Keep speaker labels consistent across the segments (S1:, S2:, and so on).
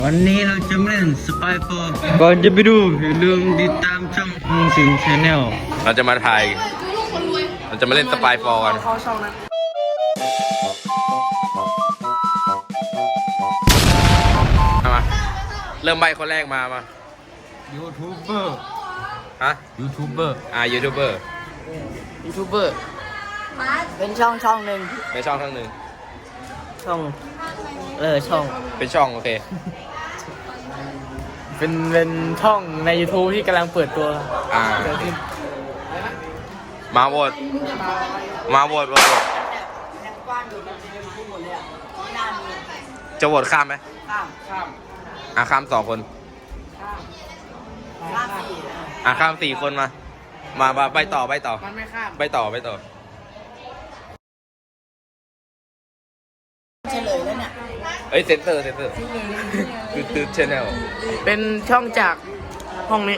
S1: วันนี้เราจะมาเล่นสปายโฟร์ก่อนจะไปดูอย่าลืมติดตามช่องมุงสิงชาแนล
S2: เราจะมาถ่ายเราจะมาเล่นสปายฟอร์กัน
S3: เข้าช่องนั้น
S2: มาเริ่มใบคนแรกมา
S1: ยูทูบเบอร์
S2: ฮะ
S1: ยูทูบเบอร์
S2: ยูทูบเบอร์
S3: เป็นช่องหนึ่ง
S2: ในช่องทั้งหนึ่ง
S3: ช่อง
S2: เป็นช่องโอเค
S3: เป็นช่องใน YouTube ที่กำลังเปิดตัวเกิดขึ้น
S2: มาโหวตจะโหวตข้ามไหมข้าม2 คนข้าม4 คนมาไปต่อ
S3: มันไม่ข้าม
S2: ไปต่อ
S3: เฉลยแล้วเนี่ย
S2: เซนเตอร์คือชแนล
S3: เป็นช่องจากห้องนี้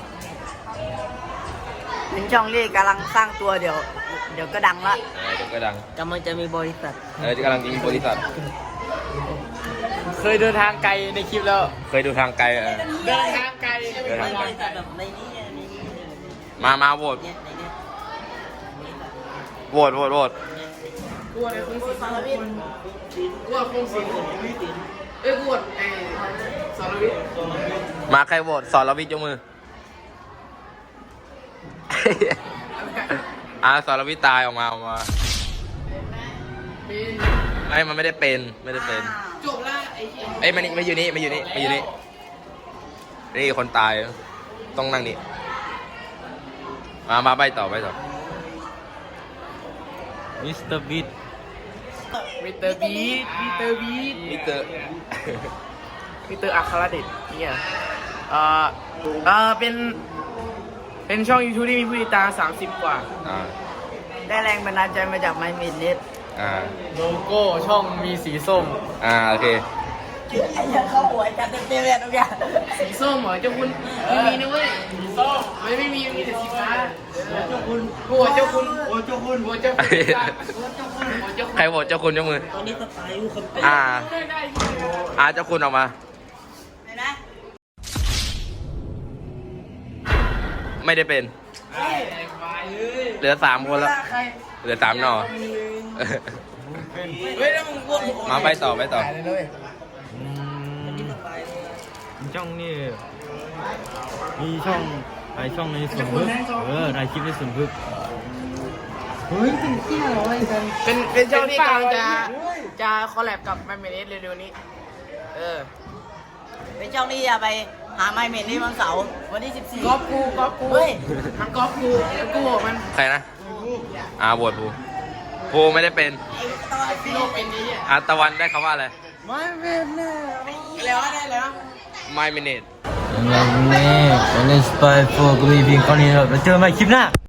S3: เป็นช่องที่กำลังสร้างตัวเดี๋ยวก็ดังละ
S2: เดี๋ยวก็ดัง
S3: กำลังจะมีบริษัท
S2: กำลังจะมีบริษัท
S3: เคยเดินทางไกลในคลิปแล้ว
S2: เคยดูทางไกล
S3: เดินทางไกล
S2: มาโหวต
S3: กวดไอ้คงสารวิทย์กวดคงสิงกวดไอ้สารวิทย์
S2: มาใครโหวตสรวิทย์ยกมือสรวิทย์ตายออกมามันไม่ได้เป็น
S3: จบละไอ้
S2: มาอยู่นี่นี่คนตายต้องนั่งนี่มาไปต่อ
S1: มิสเตอร์บีท
S3: อัครเดชเนี่ยเป็นช่อง YouTube ที่มีผู้ติดตาม30 กว่าได้แรงบันดาลใจมาจากไมเมนเน็ตโลโก้ช่องมีสีส้ม
S2: โอเค
S3: เข้าหัวจัดเต็มเลยทุกอย่างสีส้มเหรอเจ้าคุณมีนะเว้ยสีส้มไม่มีแต่สีฟ้าหัวเจ้าคุณ
S2: ใครโหวตเจ้าคุณยกมือ
S3: ตอนนี้สไตล์คนเป็น
S2: เจ้าคุณออกมาไม่ได้เป็นเหลือ3 คนแล้วเหลือ3 หน่อมาไปต่อ
S1: ช่องนี่มีช่องหลายช่องในส่วนพึกหลายคลิปในส่วนพึก
S3: ถึงเที่ยวเลยเป็นช่องที่กำลังจะคอลแลบกับไมเมนเน็ตเร็วๆนี้เป็นช่องที่จะไปหาไมเมนเน็ตวันเสาร์วันที่14ก๊อปกูเฮ้ยมันก๊อปกูแล้วกูมัน
S2: ใครนะโหวตภูไม่ได้เป็นตะวันได้คำว่าอะไร
S3: ไม่เป็นแน่แล้วได้แล้ว
S2: My Minute
S1: วันนี้เล่นสปายโฟร์ก็มีเพียงเท่านี้ครับแล้วเจอกันใหม่คลิปหน้า